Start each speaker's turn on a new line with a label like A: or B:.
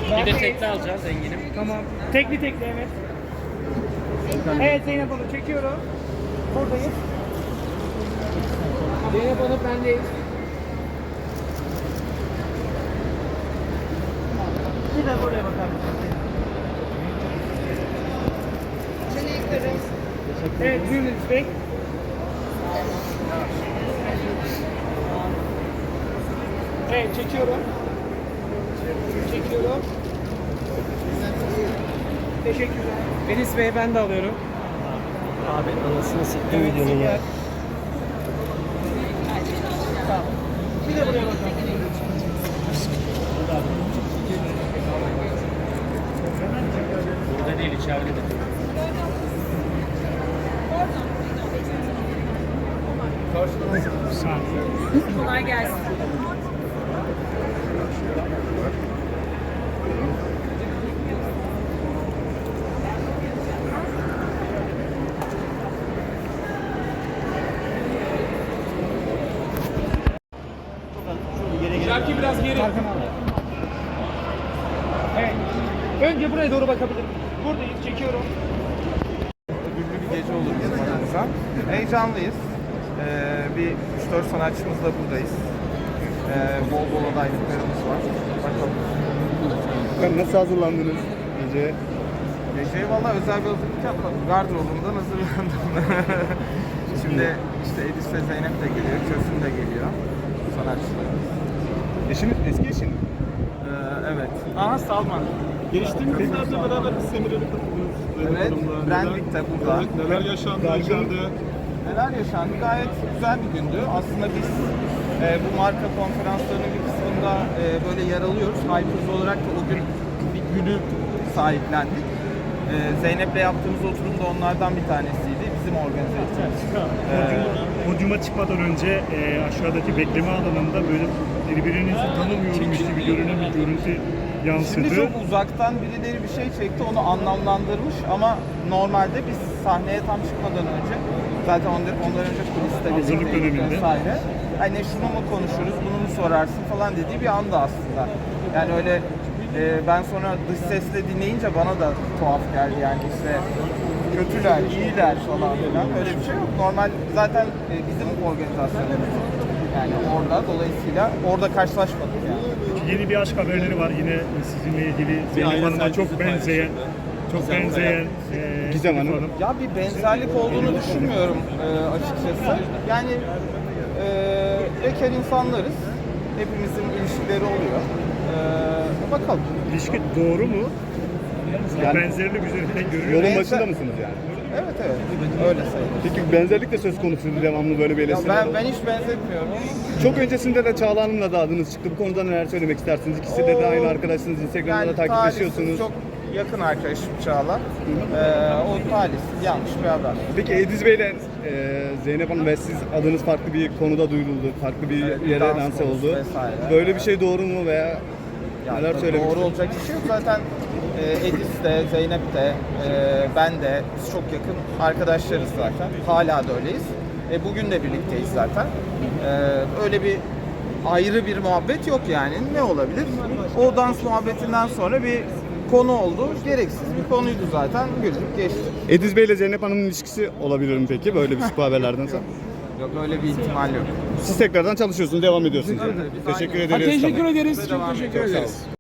A: Bir de tekli alacağız Engin'im.
B: Tamam. Tekli evet. Evet Zeynep Hanım çekiyorum. Buradayız. Zeynep Hanım bendeyiz. Bir de buraya bakar mısınız? Evet, buyurun Bey. Evet, çekiyorum. Çekiyorum. Teşekkürler.
A: Enis Bey ben de alıyorum. Abi anasını siktim videonun ya.
B: Tamam. Bir de buraya bakalım.
A: Burada değil, içeride de.
C: Kolay gelsin.
B: Şarkı biraz geri. Evet. Önce buraya doğru bakabilirim. Buradayız, çekiyorum.
D: Güllü bir gece olur bizim adımıza. Heyecanlıyız. Bir 3-4 sanatçımızla buradayız. Bol bol adaylıklarımız var. Bakalım.
E: Nasıl hazırlandınız gece?
D: Geceye valla özel bir hazırlık yapmadım. Gardırobumdan hazırlandım. Şimdi işte Edis ve Zeynep de geliyor, Kösün de geliyor. Sanatçılarımız.
E: Eşiniz, eski eşin.
D: Evet. Aha Salman.
F: Geçtiğimiz yıllarda beraber bir seminere katıldınız.
D: Evet, Brandwick'te burada.
F: Neler yaşandı içeride?
D: Neler yaşandı? Gayet güzel bir gündü. Aslında biz bu marka konferanslarının bir kısmında böyle yer alıyoruz. Hypers olarak da o gün bir günü sahiplendik. Zeynep'le yaptığımız oturum da onlardan bir tanesiydi. Bizim organize ettiğimiz.
E: Podyuma çıkmadan önce aşağıdaki bekleme alanında böyle birbirinizi tanımıyormuş gibi görünen bir görüntü yansıdı.
D: Şimdi çok uzaktan birileri bir şey çekti, onu anlamlandırmış ama normalde biz sahneye tam çıkmadan önce zaten ondan önce kuliste
E: Hazırlık
D: birlikteydik
E: döneminde.
D: vesaire. Hani şunu mu konuşuruz, bunu mu sorarsın falan dediği bir anda aslında. Yani öyle ben sonra dış sesle dinleyince bana da tuhaf geldi yani işte kötüler, iyiler falan filan öyle bir şey yok. Normal zaten bizim organizasyonumuz yani orada dolayısıyla orada karşılaşmadık yani.
E: Yeni bir aşk haberleri var yine sizinle ilgili Zeynep Hanım'a çok benzeyen Gizem Hanım.
D: Ya bir benzerlik olduğunu düşünmüyorum açıkçası. Yani bekar insanlarız. Hepimizin ilişkileri oluyor. Bakalım.
E: İlişki doğru mu? Yani benzerlik üzerinden görüyor.
D: Yolun başında mısınız yani? Evet öyle sayılır.
E: Peki benzerlik de söz konusu devamlı böyle bir
D: Ya
E: eleştiri.
D: ben hiç benzetmiyorum.
E: Çok öncesinde de Çağla Hanım'la da adınız çıktı. Bu konuda neler söylemek istersiniz? İkisi de aynı arkadaşsınız. Instagram'da da takipleşiyorsunuz.
D: Çok yakın arkadaşım Çağla. O talihsiz yanlış bir haber.
E: Peki Ediz Bey'le Zeynep Hanım ve siz adınız farklı bir konuda duyuruldu. Farklı bir
D: Evet,
E: yere
D: dans
E: lanse
D: konusu
E: oldu.
D: vesaire.
E: Böyle bir şey doğru mu veya
D: Yani
E: neler söylemek
D: doğru
E: istiyorsunuz?
D: olacak bir şey yok. Zaten Edis de, Zeynep de, ben de biz çok yakın arkadaşlarız zaten. Hala da öyleyiz. Bugün de birlikteyiz zaten. Öyle bir ayrı bir muhabbet yok yani. Ne olabilir? O dans muhabbetinden sonra bir konu oldu. Gereksiz bir konuydu zaten. Güldük geçti.
E: Ediz Bey'le Zeynep Hanım'ın ilişkisi olabilir mi peki böyle bir bu haberlerden sonra?
D: Yok öyle bir ihtimal yok.
E: Siz tekrardan çalışıyorsunuz, devam ediyorsunuz. Teşekkür ederiz.
B: Teşekkür ederiz. Çok
D: Devam
B: teşekkür
D: ediyoruz.
B: ederiz.